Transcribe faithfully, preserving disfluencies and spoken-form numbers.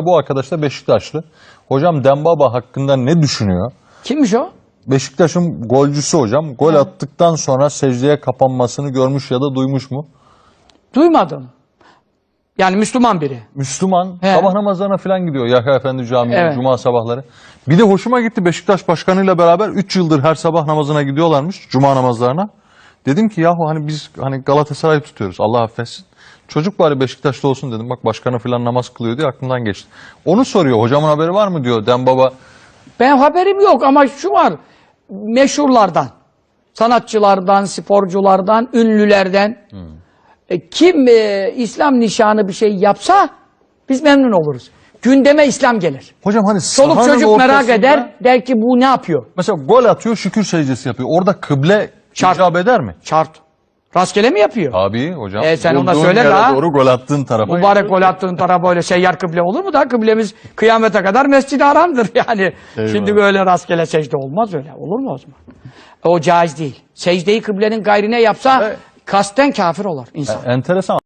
bu arkadaş da Beşiktaşlı. Hocam Dembaba hakkında ne düşünüyor? Kimmiş o? Beşiktaş'ın golcüsü hocam. Gol He. attıktan sonra secdeye kapanmasını görmüş ya da duymuş mu? Duymadım. Yani Müslüman biri. Müslüman. He. Sabah namazlarına falan gidiyor. Yahya Efendi Camii, Evet. Cuma sabahları. Bir de hoşuma gitti, Beşiktaş başkanıyla beraber üç yıldır her sabah namazına gidiyorlarmış. Cuma namazlarına. Dedim ki yahu hani biz hani Galatasaray'ı tutuyoruz. Allah affetsin. Çocuk bari Beşiktaşlı olsun dedim. Bak başkanı falan namaz kılıyor diye aklımdan geçti. Onu soruyor. Hocamın haberi var mı diyor Dembaba. Ben haberim yok ama şu var. Meşhurlardan, sanatçılardan, sporculardan, ünlülerden Hmm. e, kim e, İslam nişanı bir şey yapsa biz memnun oluruz. Gündeme İslam gelir. Hocam hani Çoluk sahanın çocuk merak ortasında- eder, der ki bu ne yapıyor? Mesela gol atıyor, şükür secdesi yapıyor. Orada kıble Şart. icap eder mi? Şart. Rastgele mi yapıyor? Abi hocam. E, sen ona bulduğun söyle yere la. doğru gol attığın tarafa. Mübarek gol attığın tarafa öyle seyyar kıble olur mu da? Kıblemiz kıyamete kadar Mescid-i Haram'dır yani. Eyvallah. Şimdi böyle rastgele secde olmaz öyle. Olur mu o zaman? O caiz değil. Secdeyi kıblenin gayrine yapsa Evet. kasten kafir olur insan. Enteresan.